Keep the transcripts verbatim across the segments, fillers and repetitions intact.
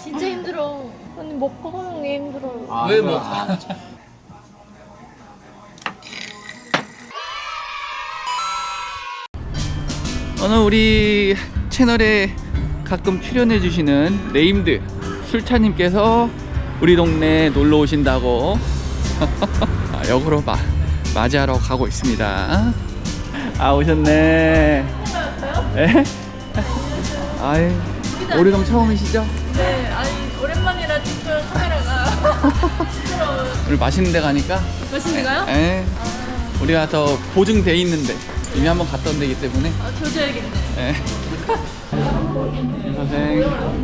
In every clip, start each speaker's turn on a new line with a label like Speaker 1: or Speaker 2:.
Speaker 1: 진짜 힘들어. 아니 먹고 하는 게 힘들어요.
Speaker 2: 아,
Speaker 3: 왜
Speaker 2: 그래.
Speaker 3: 뭐?
Speaker 2: 아, 오늘 우리 채널에 가끔 출연해주시는 네임드 술차님께서 우리 동네에 놀러 오신다고 아, 역으로 마, 맞이하러 가고 있습니다. 아, 오셨네. 네? 아이, 오리동 처음이시죠?
Speaker 1: 네, 아니 오랜만이라 지금 카메라가 부끄러워요.
Speaker 2: 오늘 맛있는 데 가니까
Speaker 1: 맛있는가요?
Speaker 2: 에, 우리가 더 보증돼 있는데 이미 한번 갔던 데이기 때문에
Speaker 1: 아, 조져야겠네.
Speaker 2: 에. 선생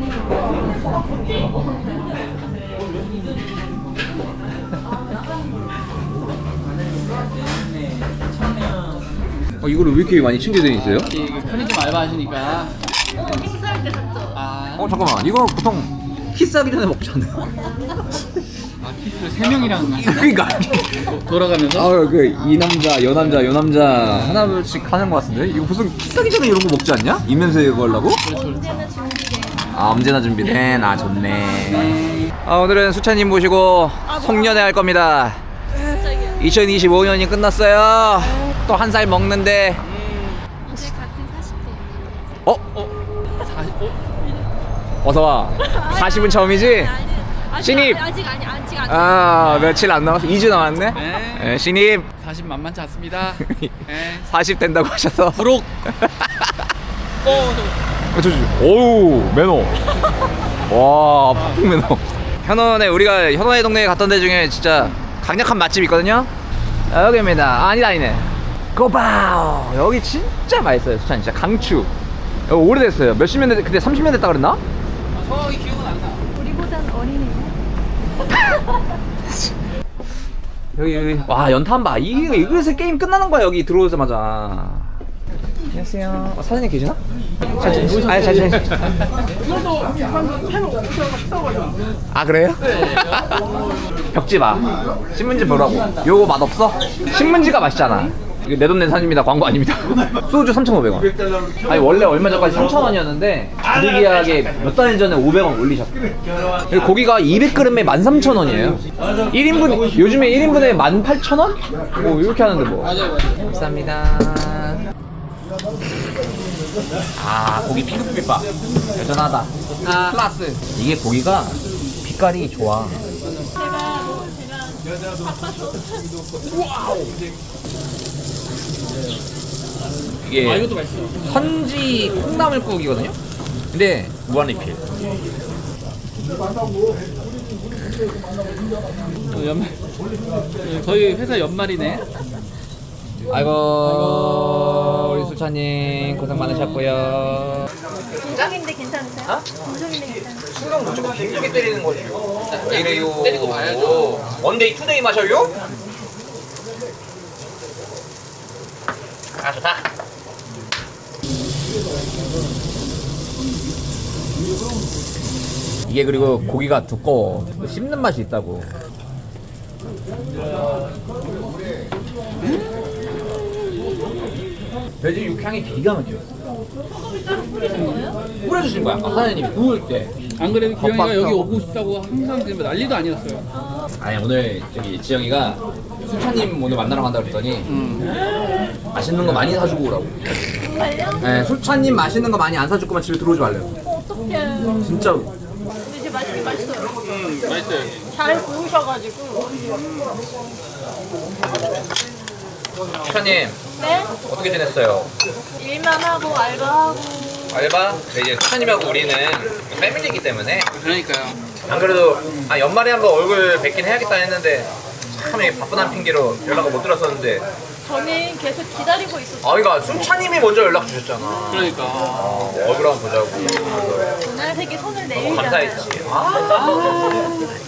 Speaker 3: 어, 이거를 왜 이렇게 많이 챙겨져 있어요?
Speaker 2: 이 편의점 알바하시니까
Speaker 1: 어, 행사할 때 샀죠.
Speaker 2: 아,
Speaker 3: 어 잠깐만, 이거 보통 키스하기 전에 먹지 않나요?
Speaker 2: 아 키스를 세 명이랑
Speaker 3: 그러니까
Speaker 2: 돌아가면서
Speaker 3: 아그이 남자, 여 남자, 여 남자 하나씩 하는 것 같은데 이거 무슨 키스하기 전에 이런 거 먹지 않냐? 입냄새 걸라고?
Speaker 1: 언제나 준비돼.
Speaker 3: 아 언제나 준비된. 아 좋네. 아 오늘은 수찬님 모시고 송년회 할 겁니다.
Speaker 1: 갑자기요.
Speaker 3: 이천이십오 년이 끝났어요. 또 한 살 먹는데
Speaker 1: 이제 같은 사십 대.
Speaker 3: 어?
Speaker 2: 사십, 어?
Speaker 3: 어서 와. 사십은 처음이지?
Speaker 1: 아직,
Speaker 3: 신입!
Speaker 1: 아직 아니 아직 아직.
Speaker 3: 아 며칠 안 남았어. 이 주 남았네.
Speaker 2: 네.
Speaker 3: 네, 신입
Speaker 2: 사십 만만치 않습니다. 네.
Speaker 3: 사십 된다고 하셔서.
Speaker 2: 부록 어,
Speaker 3: 어, 저, 저, 오우 매너. 와 폭풍 매너. 현원에 우리가 현원의 동네에 갔던 데 중에 진짜 강력한 맛집 있거든요. 여기입니다. 아, 아니다 아니네. 고바오. 여기 진짜 맛있어요. 수찬 진짜 강추. 여기 오래됐어요. 몇십 년 됐, 그때 삼십 년 됐다 그랬나?
Speaker 2: 정확히 기억은 안 나.
Speaker 1: 우리보단 어리네요.
Speaker 3: 여기 여기 와 연탄 봐. 이거 이거에서 게임 끝나는 거야. 여기 들어오자마자. 안녕하세요. 어, 사장님 계시나? 잘, 아니 잘 지내. 아 그래요? 벽지 봐. 신문지 보라고. 요거 맛 없어? 신문지가 맛있잖아. 이거 내 돈 낸 산입니다. 광고 아닙니다. 소주 삼천오백 원. 아니 원래 얼마 전까지 삼천 원이었는데 부득이하게 몇 달 전에 오백 원 올리셨어요. 그리고 고기가 이백 그램에 만 삼천 원이에요. 일 인분 요즘에 일 인분에 만 팔천 원? 뭐 이렇게 하는데 뭐.
Speaker 2: 맞아요, 맞아요.
Speaker 3: 감사합니다. 아 고기 핑크빛 봐. 여전하다.
Speaker 2: 아,
Speaker 3: 플러스 이게 고기가 빛깔이 좋아.
Speaker 1: 제가 뭐 제가 바빠서.
Speaker 3: 이게
Speaker 2: 아 이것도 맛있어.
Speaker 3: 선지 콩나물국이거든요. 근데 무한리필.
Speaker 2: 어, 연말 거의 회사 연말이네.
Speaker 3: 아이고 우리 수찬님 고생 많으셨고요.
Speaker 1: 공정인데 괜찮으세요? 공정인데 괜찮으세요?
Speaker 3: 신경 못 주고 빙빙 때리는 거지. 왜 이래요?
Speaker 2: 때리고 봐야죠.
Speaker 3: 원데이 투데이 마셔요? 아 좋다. 이게 그리고 고기가 두꺼워. 씹는 맛이 있다고. 돼지 육향이 기가 막혀요.
Speaker 1: 소금을 따로 뿌리는 거예요?
Speaker 3: 뿌려주신 거야. 아까 사장님이 구울 때.
Speaker 2: 안 그래도 기영이가
Speaker 3: 겉바하고.
Speaker 2: 여기 오고 싶다고 항상 지금 난리도 아니었어요.
Speaker 3: 아니 오늘 저기 지영이가 수찬님 오늘 만나러 간다 그랬더니
Speaker 2: 음.
Speaker 3: 맛있는 거 많이 사주고 오라고.
Speaker 1: 정말요?
Speaker 3: 네, 수찬님 맛있는 거 많이 안 사줄 거면 집에 들어오지 말래요.
Speaker 1: 어, 어떡해.
Speaker 3: 진짜로.
Speaker 1: 근데 이제 맛있긴 맛있어요.
Speaker 2: 음, 맛있어요.
Speaker 1: 잘 구우셔가지고.
Speaker 3: 수찬님
Speaker 1: 네?
Speaker 3: 어떻게 지냈어요?
Speaker 1: 일만 하고 알바하고.
Speaker 3: 알바? 네, 이제 수찬님하고 우리는 패밀리이기 때문에
Speaker 2: 그러니까요.
Speaker 3: 안 그래도 아, 연말에 한번 얼굴 뵙긴 해야겠다 했는데 참 이게 바쁜 한 핑계로 연락을 못 드렸었는데
Speaker 1: 저는 계속 기다리고 있었어요.
Speaker 3: 아 그러니까 수찬님이 먼저 연락 주셨잖아.
Speaker 2: 그러니까.
Speaker 3: 어, 얼굴 한번 보자고.
Speaker 1: 그날 되게 손을
Speaker 3: 너무
Speaker 1: 내밀잖아요.
Speaker 3: 감사했지. 아.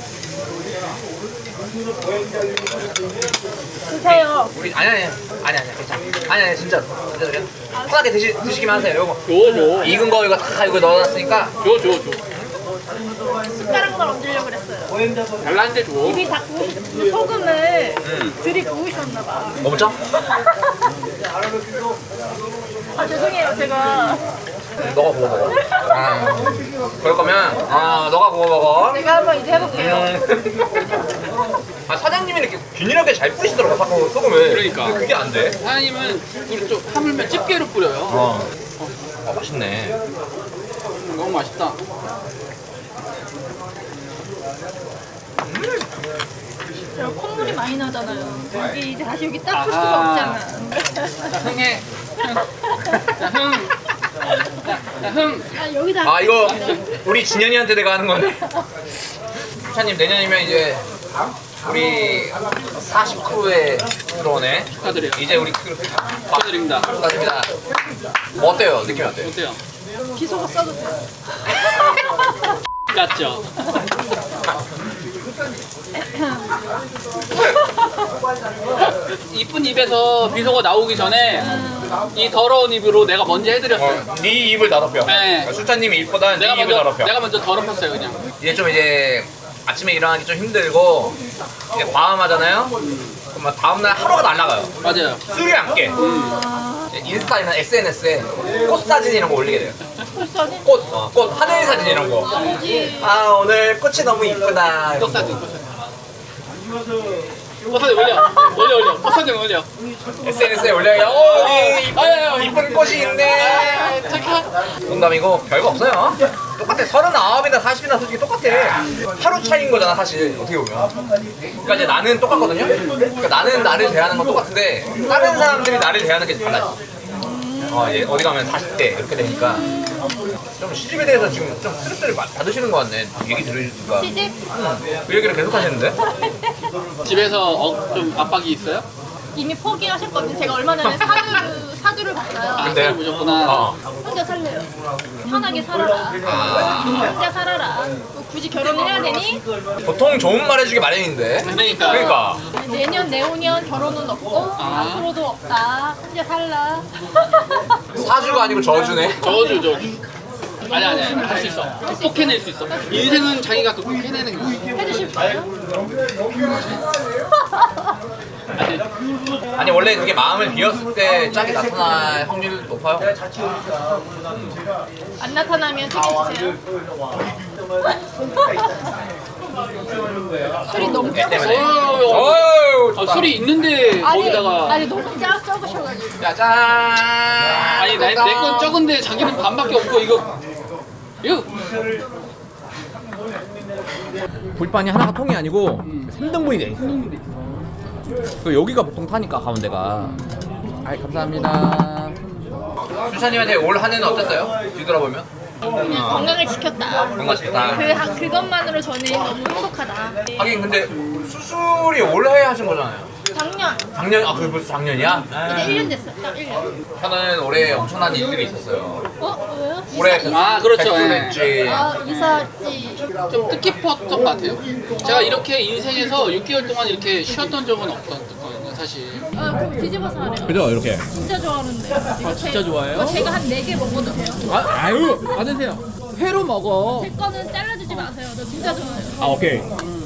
Speaker 1: 드세요.
Speaker 3: 우리 아니 아니 아니 아니 괜찮아. 아니 아니 진짜 진짜 그래. 편하게 드시 드시기만 하세요. 요거
Speaker 2: 줘, 줘.
Speaker 3: 익은 거 이거 다 이거 넣어놨으니까.
Speaker 2: 줘, 줘, 줘.
Speaker 1: 숟가락만 얹으려고 그랬어요.
Speaker 2: 잘났는데 줘.
Speaker 1: 입이 다 구우셨, 소금을
Speaker 3: 음.
Speaker 1: 들이 구우셨나봐.
Speaker 3: 먹자.
Speaker 1: 아 죄송해요 제가.
Speaker 3: 너가 구워 먹어. 아, 그럴 거면 아 너가 구워 먹어 먹어.
Speaker 1: 제가 한번 이제 해볼게요.
Speaker 3: 아 사장님이 이렇게 균일하게 잘 뿌리시더라고 자꾸 소금을.
Speaker 2: 그러니까.
Speaker 3: 근데 그게 안 돼.
Speaker 2: 사장님은 우리 좀 하물며 집게로 뿌려요.
Speaker 3: 어. 아 맛있네.
Speaker 2: 너무 맛있다.
Speaker 1: 저 콧물이 많이 나잖아요. 여기 이제 다시 여기 닦을 수가
Speaker 2: 아하.
Speaker 1: 없잖아.
Speaker 2: 자, 흥해. 자, 흥. 자, 흥.
Speaker 1: 아 여기다.
Speaker 3: 아 이거 우리 진현이한테 내가 하는 건데. 수찬님 내년이면 이제 우리 사십 크루에 들어오네.
Speaker 2: 축하드려요.
Speaker 3: 이제 우리 크루
Speaker 2: 축하드립니다.
Speaker 3: 축하드립니다. 뭐 어때요? 느낌이 어때요?
Speaker 2: 어때요?
Speaker 1: 기소가 써주세요.
Speaker 2: 같죠? 이쁜 입에서 비속어 나오기 전에 이 더러운 입으로 내가 먼저 해드렸어요.
Speaker 3: 어, 네 입을 더럽혀.
Speaker 2: 네.
Speaker 3: 수찬님이 입보다 네
Speaker 2: 내가
Speaker 3: 입을
Speaker 2: 먼저
Speaker 3: 더럽혀.
Speaker 2: 내가 먼저 더럽혔어요 그냥.
Speaker 3: 이제 좀 이제 아침에 일어나기 좀 힘들고 이제 과음하잖아요. 그럼 다음날 하루가 날아가요.
Speaker 2: 맞아요.
Speaker 3: 술이 안 깨. 인스타나 에스엔에스에 꽃 사진 이런 거 올리게 돼요.
Speaker 1: 벌써는
Speaker 3: 꽃, 어, 꽃 하늘 사진 이런 거. 아 오늘 꽃이 너무 이쁘다.
Speaker 2: 꽃사진. 꽃사진 올려. 올려 올려. 꽃사진 올려.
Speaker 3: 에스엔에스에 올려요. 오, 이 이쁜,
Speaker 2: 아유,
Speaker 3: 이쁜 꽃이 있네.
Speaker 2: 착해.
Speaker 3: 농담이고 별거 없어요. 똑같아. 서른아홉이나 사십이나 솔직히 똑같아. 하루 차이인 거잖아 사실 어떻게 보면. 그러니까 이제 나는 똑같거든요. 그러니까 나는 나를 대하는 건 똑같은데 다른 사람들이 나를 대하는 게 달라져. 어, 이제 어디 가면 사십 대 이렇게 되니까 좀 시집에 대해서 지금 좀 스트레스를 많이 받으시는 것 같네. 얘기 들으니까.
Speaker 1: 시집?
Speaker 3: 그 얘기를 계속 하시는데?
Speaker 2: 집에서 어, 좀 압박이 있어요?
Speaker 1: 이미 포기하셨거든요. 제가 얼마 전에 사주, 사주를 봤어요.
Speaker 2: 아,
Speaker 3: 근데?
Speaker 2: 사진 보셨구나.
Speaker 3: 어.
Speaker 1: 혼자 살래요. 편하게 살아라. 혼자 살아라. 또 굳이 결혼을 해야 되니?
Speaker 3: 보통 좋은 말 해주기 마련인데.
Speaker 2: 그러니까.
Speaker 3: 그러니까.
Speaker 1: 내년, 내후년 결혼은 없고
Speaker 2: 아.
Speaker 1: 앞으로도 없다. 혼자 살라.
Speaker 3: 사주가 아니고 저주네.
Speaker 2: 저주 저주. 아니 아니 할 수 있어. 극복해낼 수 있어. 인생은 자기가 극복해내는 거야.
Speaker 1: 해주실 거예요?
Speaker 2: 아니,
Speaker 3: 아니 원래 그게 마음을 비웠을 때 짝이 나타날 확률이 높아요.
Speaker 1: 안 나타나면 책임지세요. 술이 너무
Speaker 3: 애 때문에.
Speaker 1: 적으셔.
Speaker 3: 어유
Speaker 2: 아, 술이 있는데
Speaker 1: 아니,
Speaker 2: 거기다가
Speaker 1: 아니 너무 짜 적으셔가지고.
Speaker 3: 짜잔.
Speaker 2: 아니 내 건 적은데 자기는 반밖에 없고 이거 이거
Speaker 3: 불판이 하나가 통이 아니고 삼 등분이 돼 있어. 그 여기가 보통 타니까 가운데가. 아 감사합니다. 수찬님한테 올 한 해는 어땠어요? 뒤돌아보면?
Speaker 1: 그냥 건강을 지켰다.
Speaker 3: 건강 지켰다.
Speaker 1: 그, 하- 그것만으로 저는 너무 행복하다.
Speaker 3: 하긴 근데 수술이 올해 하신 거잖아요.
Speaker 1: 작년
Speaker 3: 작년 아 그게 벌써 작년이야?
Speaker 1: 이제 일 년 됐어. 딱 일 년.
Speaker 3: 저는 올해 엄청난 일들이 있었어요.
Speaker 1: 어? 왜요?
Speaker 3: 올해
Speaker 1: 이사,
Speaker 2: 아, 그렇죠.
Speaker 3: 백수했지.
Speaker 1: 아 이사지.
Speaker 2: 좀 뜻깊었던 것 같아요. 제가 이렇게 인생에서 육 개월 동안 이렇게 쉬었던 적은 없었거든요, 사실.
Speaker 1: 아 그럼 뒤집어서 하래요.
Speaker 3: 그죠 이렇게.
Speaker 1: 진짜 좋아하는데. 아
Speaker 2: 진짜 좋아해요?
Speaker 1: 이거 제가 한 네 개 먹어도 돼요?
Speaker 2: 아, 아유, 받으세요. 회로 먹어.
Speaker 1: 제 거는 잘라주지 마세요. 저 진짜 좋아해요.
Speaker 3: 아 오케이.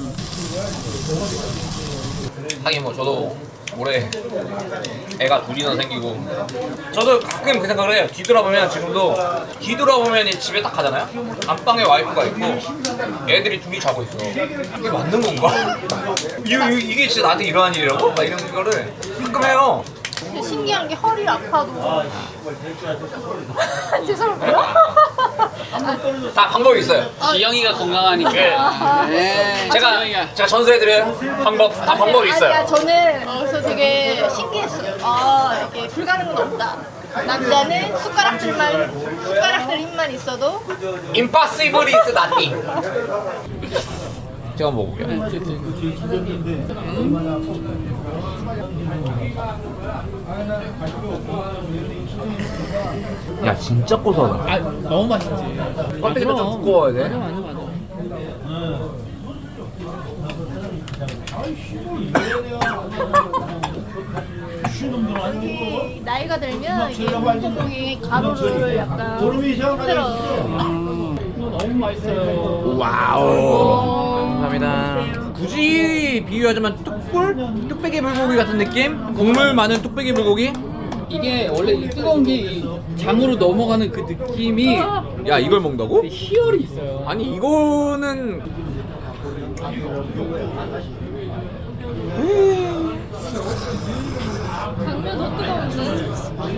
Speaker 3: 하긴 뭐 저도 올해 애가 둘이나 생기고 저도 가끔 그 생각을 해요. 뒤돌아보면 지금도 뒤돌아보면 이 집에 딱 가잖아요. 안방에 와이프가 있고 애들이 둘이 자고 있어. 이게 맞는 건가? 이, 이, 이게 진짜 나한테 일어난 일이라고? 막 이런 거를 가끔 해요.
Speaker 1: 근데 신기한 게 허리 아파도 죄송해요.
Speaker 3: 다 방법이 있어요.
Speaker 2: 지영이가 건강하니까. 네.
Speaker 3: 제가
Speaker 2: 지영이가.
Speaker 3: 제가 전수해드려요. 방법 다 방법이 있어요.
Speaker 1: 아니야, 저는 그래서 되게 신기했어요. 아 이게 불가능은 없다. 남자는 숟가락들만 숟가락들 힘만 있어도
Speaker 3: Impossible is nothing. 제가 먹어볼게요. 야 진짜 고소하다.
Speaker 2: 아, 너무 맛있지.
Speaker 3: 껍데기도 좀 두꺼워야 돼.
Speaker 2: 맞아, 맞아.
Speaker 1: 이게 나이가 들면 이게 목구멍이 가루를 약간 힘들어.
Speaker 2: 너무 맛있어요.
Speaker 3: 와우. 감사합니다. 굳이 비유하자면 뚝불? 뚝배기 불고기 같은 느낌? 국물 많은 뚝배기 불고기?
Speaker 2: 이게 원래 이 뜨거운 게 이 장으로 넘어가는 그 느낌이
Speaker 3: 야 이걸 먹는다고?
Speaker 2: 희열이 있어요.
Speaker 3: 아니 이거는
Speaker 1: 당면 더 뜨거운데.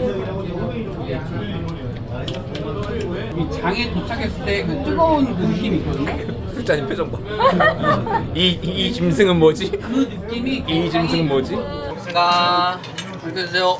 Speaker 2: 이 장에 도착했을 때 그 뜨거운 그 느낌이 있거든요.
Speaker 3: 술자님 표정 봐. 이, 이, 이 짐승은 뭐지?
Speaker 2: 그 느낌이
Speaker 3: 이 짐승은 뭐지? 고맙습니다.
Speaker 2: 이렇게 드세요.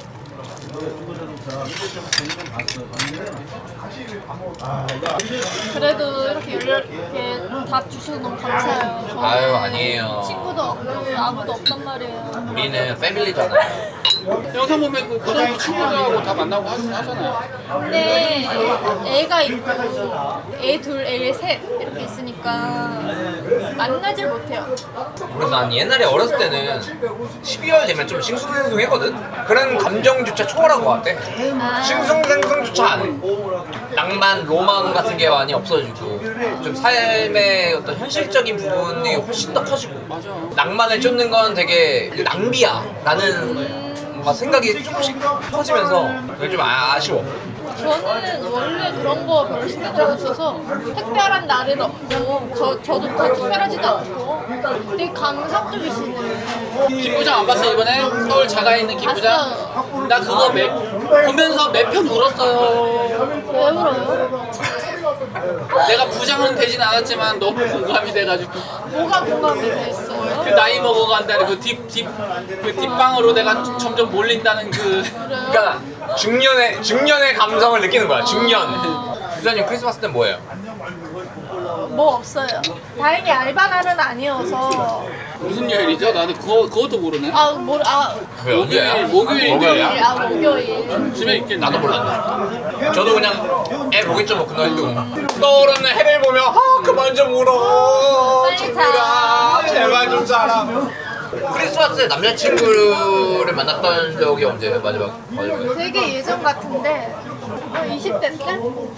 Speaker 1: 그래도 이렇게 연락 이렇게 답 주셔서 너무 감사해요. 저는
Speaker 3: 아유, 아니에요.
Speaker 1: 친구도 없고 아무도 없단 말이에요.
Speaker 3: 우리는 패밀리잖아요.
Speaker 2: 영상 보면 그 고등학교 친구들하고 다 만나고 하, 하잖아요.
Speaker 1: 근데 애가 있고 애 둘, 애 셋 이렇게 있으니까 만나질 못해요.
Speaker 3: 그래서 난 옛날에 어렸을 때는 십이월 되면 좀 싱숭생숭했거든? 그런 감정조차 초월한 것 같아.
Speaker 1: 아,
Speaker 3: 싱숭생숭조차 안 해. 낭만, 로망 같은 게 많이 없어지고 좀 삶의 어떤 현실적인 부분이 훨씬 더 커지고
Speaker 2: 맞아.
Speaker 3: 낭만을 쫓는 건 되게 낭비야 라는 뭔가 생각이 조금씩 커지면서 그게 좀 아, 아쉬워.
Speaker 1: 저는 원래 그런 거 별로 신경을 안 써서 특별한 날은 없고 저, 저도 더 특별하지도 않고 되게 감성적이시네.
Speaker 2: 김부장 안 봤어 이번에? 서울 자가에 있는 김부장?
Speaker 1: 봤어요.
Speaker 2: 나 그거 매, 보면서 몇 편 울었어요.
Speaker 1: 왜 울어요?
Speaker 2: 내가 부장은 되진 않았지만 너무 공감이 돼가지고
Speaker 1: 뭐가 공감이 됐어요?
Speaker 2: 그 나이 먹어간다는 그 뒷, 뒷, 그 뒷방으로 내가 점점 몰린다는 그
Speaker 3: 그러니까 중년의 중년의 감성을 느끼는 거야. 중년. 부장님 크리스마스 때 뭐예요?
Speaker 1: 뭐 없어요. 다행히 알바날은 아니어서.
Speaker 2: 무슨 요일이죠? 나는 그거, 그것도 모르네.
Speaker 1: 아, 뭐, 아,
Speaker 3: 왜 언제야?
Speaker 2: 목요일, 목요일이야.
Speaker 1: 아, 목요일.
Speaker 2: 집에 있겠네.
Speaker 3: 나도 몰랐네. 저도 그냥 애 보겠죠 뭐 그날 또 떠오르는 해를 보며 아 그만 좀 울어.
Speaker 1: 빨리
Speaker 3: 친구야
Speaker 1: 자.
Speaker 3: 제발 좀 자라. 크리스마스에 남자친구를 만났던 적이 언제예요? 마지막 마지막.
Speaker 1: 되게 예전 같은데. 어, 이십 대 때?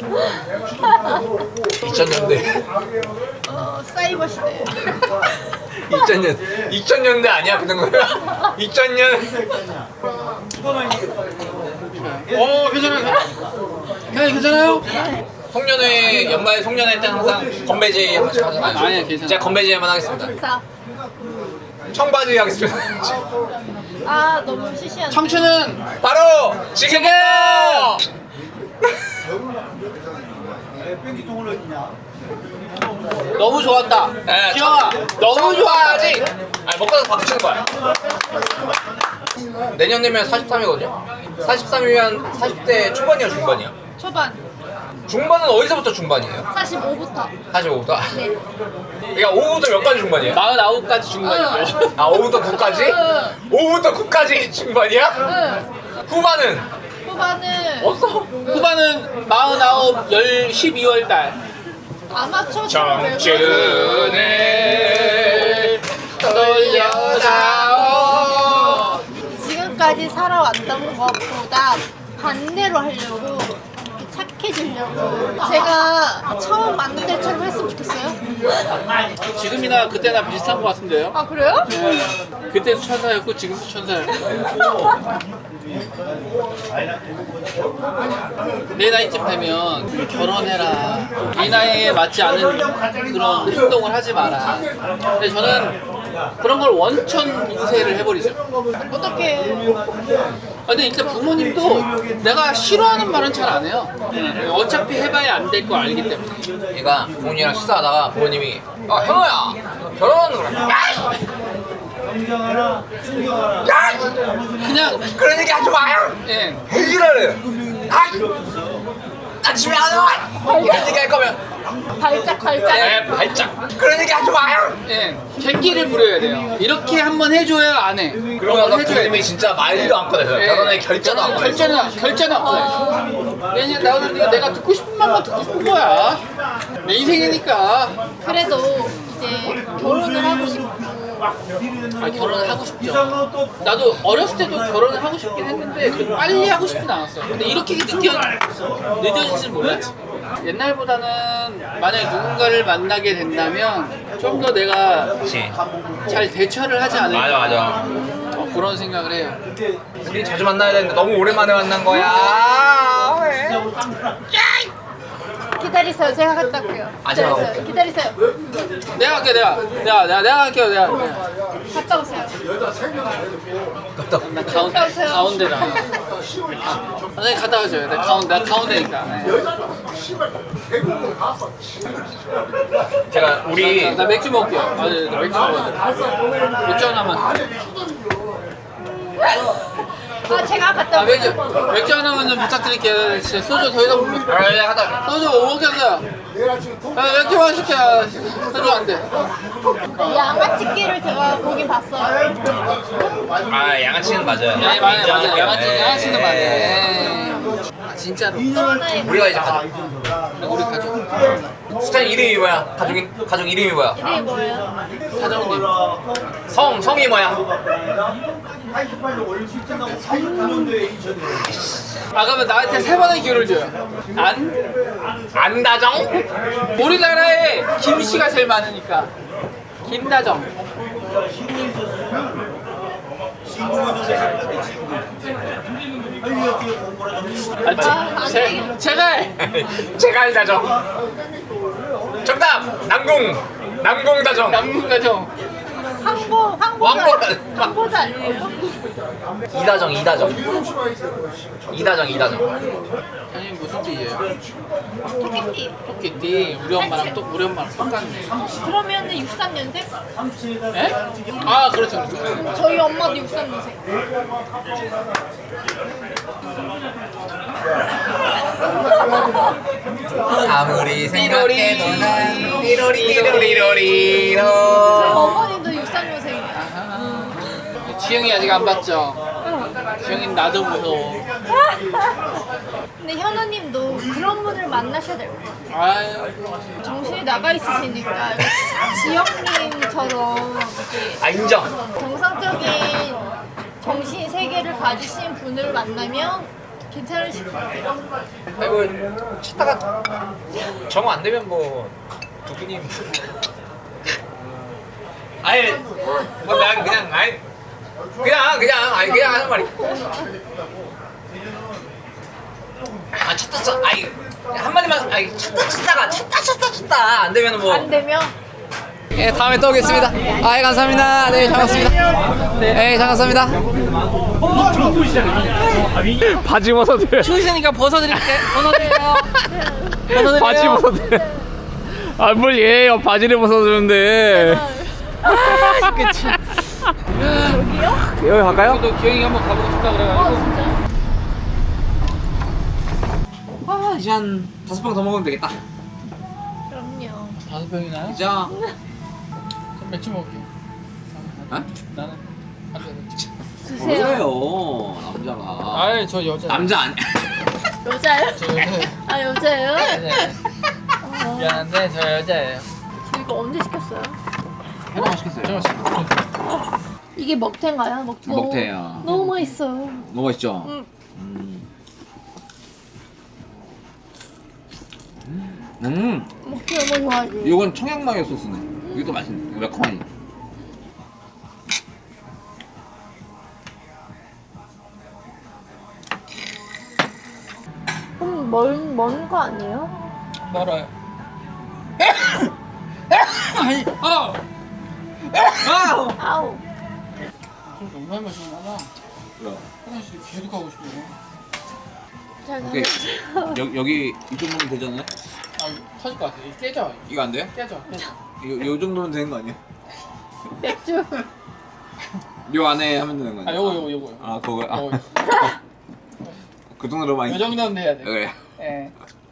Speaker 3: 이천 년대.
Speaker 1: 어, 사이버 시대.
Speaker 3: 이천 년 이천 년대 아니야 그 정도면? 이천 년.
Speaker 2: 어, 괜찮아요. 괜찮아요, 괜찮아요?
Speaker 3: 송년회 연말 송년회 때 항상 건배제 한 번씩 하잖아요.
Speaker 2: 아니, 아니, 괜찮아요.
Speaker 3: 제가 건배제 한번 하겠습니다.
Speaker 1: 자.
Speaker 3: 청바지 하겠습니다.
Speaker 1: 아, 너무 시시한데.
Speaker 2: 청춘은
Speaker 3: 바로 지금.
Speaker 2: 너무 좋았다.
Speaker 3: 네,
Speaker 2: 기영아, 너무 좋아하지.
Speaker 3: 아니 먹고 나서 박수 치는 거야. 내년 되면 사십삼이거든요. 사십삼이면 사십 대 초반이야 중반이야?
Speaker 1: 초반.
Speaker 3: 중반은 어디서부터 중반이에요?
Speaker 1: 사십오부터.
Speaker 3: 사십오부터?
Speaker 1: 네.
Speaker 3: 그러니까 오부터 몇 가지 중반이에요?
Speaker 2: 마흔아홉까지 중반이고.
Speaker 3: 아 오부터 구까지?
Speaker 1: 응.
Speaker 3: 오부터 구까지 중반이야?
Speaker 1: 응.
Speaker 3: 후반은?
Speaker 1: 후반은
Speaker 3: 없어.
Speaker 2: 후반은 마흔아홉, 열, 십이월 달.
Speaker 1: 아마추어
Speaker 3: 청춘을 돌려다오.
Speaker 1: 지금까지 살아왔던 것보다 반대로 하려고 착해지려고 제가 처음 만날 때처럼 했으면 좋겠어요.
Speaker 2: 지금이나 그때나 비슷한 것 같은데요?
Speaker 1: 아, 그래요?
Speaker 2: 네. 그때도 천사였고 지금도 천사예요. 내 나이쯤 되면 결혼해라. 이 나이에 맞지 않은 그런 행동을 하지 마라. 근데 저는 그런 걸 원천 인쇄를 해버리죠.
Speaker 1: 어떻게
Speaker 2: 근데 일단 부모님도 내가 싫어하는 말은 잘 안 해요. 어차피 해봐야 안 될 거 알기 때문에.
Speaker 3: 얘가 부모님이랑 식사하다가 부모님이 아 현호야 결혼하는 거야. 야!
Speaker 2: 그냥
Speaker 3: 그런 얘기 하지 마요.
Speaker 2: 예.
Speaker 3: 해지라래. 아! 나 집에 안 와. 이런 얘기 할 거면
Speaker 1: 발작 발작
Speaker 3: 에 발작. 그런 얘기 하지 마요.
Speaker 2: 예, 객기를 부려야 돼요. 이렇게 한번 해줘야 안 해.
Speaker 3: 그러고 나서
Speaker 2: 해줘야
Speaker 3: 부모님이 진짜 말도 안 꺼내서
Speaker 2: 예.
Speaker 3: 결혼의 결제도 안 꺼내서.
Speaker 2: 결제는 결제는 안 꺼내. 왜냐면 나는 내가 듣고 싶은 말만 듣고 싶은 거야. 내 인생이니까.
Speaker 1: 그래도 이제 결혼을 하고 싶고
Speaker 2: 아, 결혼을 하고 싶죠. 나도 어렸을 때도 결혼을 하고 싶긴 했는데 그 빨리 하고 싶진 않았어. 근데 이렇게 늦게 늦어질 줄 몰랐지. 옛날보다는 만약에 누군가를 만나게 된다면 좀 더 내가
Speaker 3: 그렇지.
Speaker 2: 잘 대처를 하지 않을까.
Speaker 3: 맞아 맞아.
Speaker 2: 어, 그런 생각을 해요.
Speaker 3: 우리 자주 만나야 되는데 너무 오랜만에 만난 거야.
Speaker 1: 기다리세요. 제가 갔다 올게요.
Speaker 3: 아, 제가
Speaker 1: 기다리세요. 기다리세요.
Speaker 2: 내가 할게 내가 내가 내가 내가 할게요 내가.
Speaker 1: 갔다 오세요.
Speaker 3: 갔다
Speaker 2: 나 가운데
Speaker 1: 갔다 오세요.
Speaker 2: 가운데라. 선생님 갔다 가셔요. 내가 가운데 나 가운데니까. 네.
Speaker 3: 제가 우리
Speaker 2: 나 맥주 먹을게요. 아, 네, 나 맥주 먹어요. 맥주 하나만.
Speaker 1: 아 제가 갔다
Speaker 2: 아 맥주
Speaker 1: 올게요.
Speaker 2: 맥주 하나만 좀 부탁드릴게요. 진짜 소주 더 이상 못 먹.
Speaker 3: 아, 네, 하다.
Speaker 2: 소주 못 먹겠어요. 아, 맥주만 시켜. 소주 안 돼.
Speaker 1: 양아치끼를 제가 보긴 봤어요.
Speaker 3: 아, 양아치는 맞아요.
Speaker 2: 네, 맞아요, 맞아요. 양아치,
Speaker 3: 네.
Speaker 2: 양아치는 맞네. 아, 진짜로.
Speaker 1: 저는
Speaker 3: 우리가 이제 가족.
Speaker 2: 우리 가족.
Speaker 3: 수찬 이름이 뭐야? 가족 가족 이름이 뭐야?
Speaker 1: 이름이 뭐예요?
Speaker 2: 사장님.
Speaker 3: 성 성이 뭐야?
Speaker 2: 아, 그러면 나한테 세 번의 기회를 줘요. 안?
Speaker 3: 안다정?
Speaker 2: 우리나라에 김씨가 제일 많으니까. 김다정. 아,
Speaker 1: 아,
Speaker 2: 제, 제, 제가
Speaker 3: 제가 알다정. 정답 남궁 남궁다정.
Speaker 2: 남문가정.
Speaker 1: 황보 황보도
Speaker 3: 왕보.
Speaker 1: 아니- 황보도 아니에요?
Speaker 3: 이다정 이다정 이다정 이다정.
Speaker 2: 아니 무슨 띠예요?
Speaker 1: 토끼띠.
Speaker 2: 토끼띠. 우리 엄마랑 또 우리 엄마랑 똑같네.
Speaker 1: 그러면은 육십삼 년생?
Speaker 2: 에? 아 그렇죠 그렇죠.
Speaker 1: 저희 엄마도 육십삼 년생.
Speaker 3: 아무리
Speaker 2: 생각해도 난
Speaker 3: 띠로리로리로리로.
Speaker 1: 저희 어머니도 육십삼 년생이에요.
Speaker 2: 지영이 아직 안 봤죠? 지영이는 나도 무서워.
Speaker 1: 근데 현우님도 그런 분을 만나셔야 될 것 같아요.
Speaker 2: 아유.
Speaker 1: 정신이 나가 있으시니까 지영님처럼 이렇게
Speaker 3: 아 인정.
Speaker 1: 정상적인 정신 세계를 가지신 분을 만나면 괜찮으실 것 같아요.
Speaker 3: 아이고 찾다가 정안 되면 뭐 두기님. 아니 뭐난 그냥 아니 그냥 그냥 아니 그냥 하는 말이. 아 찾다 찾 아이 한마디만 아이 찾다 찾다가 찾다 찾다 찾다 안 되면 뭐.
Speaker 1: 안 되면
Speaker 3: 예, 다음에 또 오겠습니다. 아, 예, 감사합니다. 네, 잘 먹습니다. 네, 잘 감사합니다. 바지 벗어드.
Speaker 2: 추우시니까 벗어드릴게. 벗어드려요. 벗어드려요.
Speaker 3: 바지 벗어드. 아, 뭘 얘요? 바지를 벗어주는데.
Speaker 2: 그치.
Speaker 3: 여기 갈까요?
Speaker 2: 너 기영이 한번 가보고 싶다 그래가지고.
Speaker 1: 어 진짜
Speaker 3: 아, 이제 한 다섯 병 더 먹으면 되겠다.
Speaker 1: 그럼요.
Speaker 2: 다섯 병이나요?
Speaker 3: 이제.
Speaker 2: 그럼 맥주 먹을게요.
Speaker 3: 어?
Speaker 2: 나는 안 돼. 맥주.
Speaker 1: 드세요.
Speaker 3: 그래요, 남자가.
Speaker 2: 아이 저 여자.
Speaker 3: 남자 아니.
Speaker 1: 여자예요?
Speaker 2: 저 여자예요.
Speaker 1: 아 여자예요?
Speaker 2: 네.
Speaker 1: 어,
Speaker 2: 미안한데 저 여자예요.
Speaker 1: 저 이거 언제 시켰어요?
Speaker 3: 해방 시켰어요.
Speaker 2: 저
Speaker 1: 이게 먹태인가요? 먹태.
Speaker 3: 먹태예요.
Speaker 1: 너무 맛있어요.
Speaker 3: 너무 맛있죠?
Speaker 1: 응.
Speaker 3: 음. 음.
Speaker 1: 먹태 너무 좋아하지.
Speaker 3: 이건 청양마요 소스네. 이게 더 맛있네. 매콤하니.
Speaker 1: 그럼 먼먼거 아니에요?
Speaker 2: 멀어요. 아니, 아, 아.
Speaker 1: 아우.
Speaker 2: 좀 너무 많이 마시나 봐.
Speaker 3: 뭐야?
Speaker 2: 화장실 계속 가고 싶어요.
Speaker 1: 잘
Speaker 3: 오케이.
Speaker 1: 나가세요.
Speaker 3: 여, 여기 이 정도면 되잖아요?
Speaker 2: 아, 이거 터질 것 같아. 이거 깨져.
Speaker 3: 이거 안 돼요?
Speaker 2: 깨져. 깨져.
Speaker 3: 요, 요 정도면 되는 거 아니야?
Speaker 1: 맥주.
Speaker 3: 요 안에 하면 되는 거
Speaker 2: 아,
Speaker 3: 아니야?
Speaker 2: 요거 요거 요거.
Speaker 3: 아, 그거. 아,
Speaker 2: 요거.
Speaker 3: 그 정도로만.
Speaker 2: 요 정도는 돼야 돼.
Speaker 3: 그래.
Speaker 2: 예.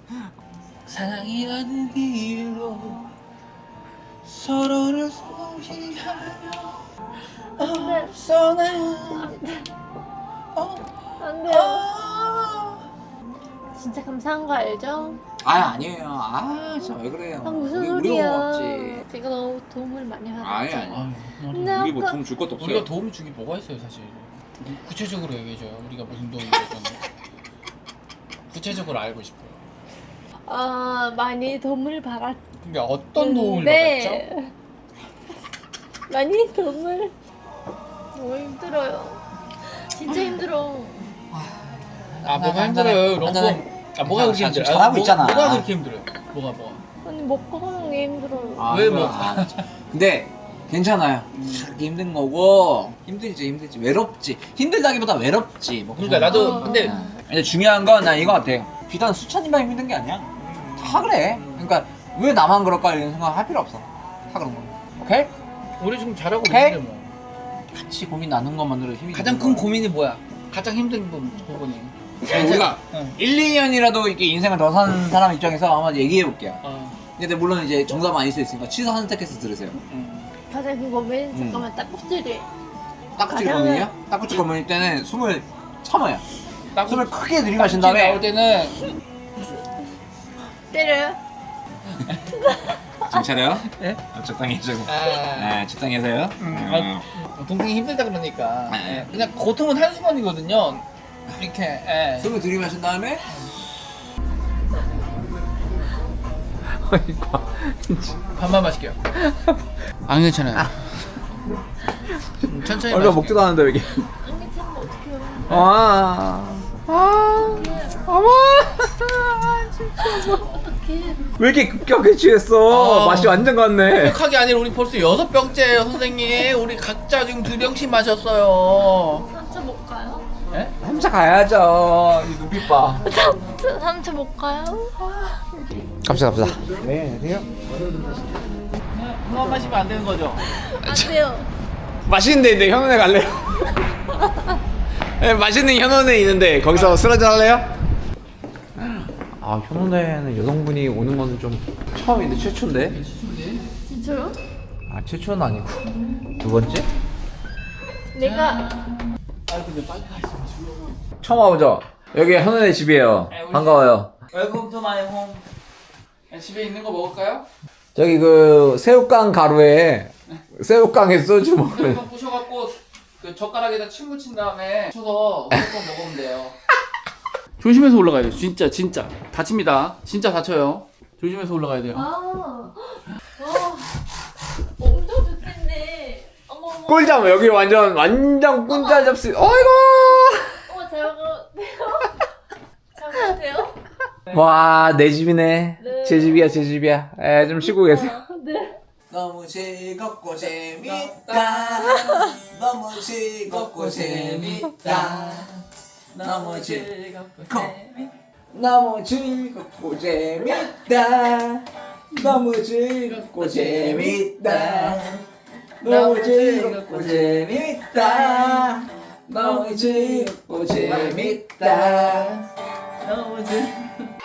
Speaker 2: 사랑이라는 길로 서로를 소개하며 앞서는
Speaker 1: 안 돼요. 진짜 감사한 거 알죠?
Speaker 3: 아, 아니에요. 아, 진짜 왜 그래요?
Speaker 1: 아 무슨
Speaker 3: 우리, 우리가
Speaker 1: 소리야?
Speaker 3: 고맙지.
Speaker 1: 제가 너무 도움을 많이
Speaker 3: 아니,
Speaker 1: 받았지.
Speaker 3: 아니.
Speaker 1: 근데
Speaker 3: 우리 뭐
Speaker 1: 아까
Speaker 3: 도움 줄 것도 없어요.
Speaker 2: 우리가 도움을 주기 뭐가 있어요 사실. 구체적으로 얘기해줘요. 우리가 무슨 도움을 줬는지. 구체적으로 알고 싶어요.
Speaker 1: 아 많이 도움을 받았.
Speaker 2: 그러니까 어떤 도움을
Speaker 1: 네.
Speaker 2: 받았죠?
Speaker 1: 많이 도움을. 너무 힘들어요. 진짜 힘들어.
Speaker 2: 아 뭐가 힘들어요? 롱폼. 아 뭐가 그렇게
Speaker 3: 자, 지금
Speaker 2: 힘들어요?
Speaker 3: 잘하고
Speaker 2: 뭐-
Speaker 3: 있잖아.
Speaker 2: 뭐가 그렇게 힘들어요? 뭐가 뭐가?
Speaker 1: 아니 먹고 사는 게 힘들어요.
Speaker 3: 아,
Speaker 2: 왜
Speaker 3: 그래.
Speaker 2: 뭐?
Speaker 3: 아, 근데 괜찮아요. 하기 힘든 거고 힘들지 힘들지 외롭지 힘들다기보다 외롭지. 뭐
Speaker 2: 그러니까 나도
Speaker 1: 어.
Speaker 2: 근데
Speaker 3: 아, 근데 중요한 건 난 이거 같아요. 비단 수찬이만 힘든 게 아니야. 다 그래. 그러니까 왜 나만 그럴까 이런 생각 할 필요 없어. 다 그런 거. 오케이?
Speaker 2: 우리 지금 잘하고
Speaker 3: 오케이?
Speaker 2: 있는데 뭐.
Speaker 3: 같이 고민 나눈 것만으로 힘이
Speaker 2: 가장
Speaker 3: 드는
Speaker 2: 큰
Speaker 3: 거야.
Speaker 2: 고민이 뭐야? 가장 힘든 부- 부분이.
Speaker 3: 아니, 우리가
Speaker 2: 응.
Speaker 3: 일, 이 년이라도 이렇게 인생을 더 사는 사람 입장에서 한번 얘기해 볼게요.
Speaker 2: 어.
Speaker 3: 근데 물론 이제 정답은 아닐 수 있으니까 취사 선택해서 들으세요.
Speaker 2: 응.
Speaker 1: 가장 그 고민
Speaker 3: 음.
Speaker 1: 잠깐만 딱꼭지를
Speaker 3: 딱구치
Speaker 1: 가장은-
Speaker 3: 고민이요? 딱구치 고민일 때는 숨을 참아요.
Speaker 2: 딱
Speaker 3: 숨을 크게 들이마신
Speaker 2: 나올
Speaker 3: 다음에
Speaker 2: 때는
Speaker 1: 때려요.
Speaker 3: 정신 차려요.
Speaker 2: 네?
Speaker 3: 어, 적당히 해주고.
Speaker 2: 아,
Speaker 3: 네, 적당히 하세요.
Speaker 2: 음,
Speaker 3: 음.
Speaker 2: 아, 동생이 힘들다 그러니까
Speaker 3: 네.
Speaker 2: 예, 그냥 고통은 한순간이거든요. 이렇게 예.
Speaker 3: 숨을 들이마신 다음에
Speaker 2: 밥만 마실게요. 안 괜찮아요. 음, 천천히
Speaker 3: 얼마
Speaker 2: 마실게요.
Speaker 3: 먹지도 않는데 왜 이게?
Speaker 1: 안 괜찮으면 어떡해요.
Speaker 3: 아, 아, 어머,
Speaker 1: 어떡해.
Speaker 3: 왜 이렇게 급격하게 취했어?
Speaker 2: 아.
Speaker 3: 맛이 완전 같네.
Speaker 2: 완벽하게 아니라 우리 벌써 여섯 병째예요, 선생님. 우리 각자 지금 두 병씩 마셨어요.
Speaker 1: 삼차 못 가요?
Speaker 2: 예?
Speaker 3: 삼차 가야죠. 이 눈빛 봐.
Speaker 1: 삼차 삼차 못 가요?
Speaker 3: 갑시다, 갑시다. 네, 안녕하세요.
Speaker 2: 그만 마시면 안 되는 거죠?
Speaker 1: 안 돼요.
Speaker 3: 맛있는 데 있는데 현원에 갈래요? 네, 맛있는 현원에 있는데 거기서 술 한잔 할래요? 아, 현원에는 여성분이 오는 거는 좀 처음인데 최초인데?
Speaker 1: 진짜요?
Speaker 3: 아, 최초는 아니고 두 번째?
Speaker 1: 내가
Speaker 2: 아 근데 빨리 가시면
Speaker 3: 처음 와보죠? 여기 현원의 집이에요.
Speaker 2: 네, 우리-
Speaker 3: 반가워요.
Speaker 2: 웰컴 투 마이 홈. 집에 있는 거 먹을까요?
Speaker 3: 저기 그 새우깡 가루에 새우깡에 소주 먹는
Speaker 2: 새우깡 부셔갖고 그 젓가락에다 침 묻힌 다음에 쳐서 새우깡 먹으면 돼요. 조심해서 올라가야 돼요. 진짜 진짜 다칩니다. 진짜 다쳐요. 조심해서 올라가야 돼요.
Speaker 1: 아, 와, 엄청 좋겠네. 어머 어머.
Speaker 3: 꿀잠 여기 완전 완전 꿀잠 잡수. 어이구.
Speaker 1: 어머 잘 먹어도 잘 먹어도 돼요?
Speaker 3: 와, 내 집이네.
Speaker 1: 네.
Speaker 3: 제 집이야, 제 집이야. 에, 좀 쉬고 계세요.
Speaker 1: 아, 네.
Speaker 3: 너무 즐겁고 재밌다. 너무 즐겁고 재밌다. 너무 즐겁고 너무 즐겁고 재밌다. 너무 즐겁고 재밌다. 너무 즐겁고 재밌다. 너무 즐겁고 재밌다.
Speaker 2: 너무 즐.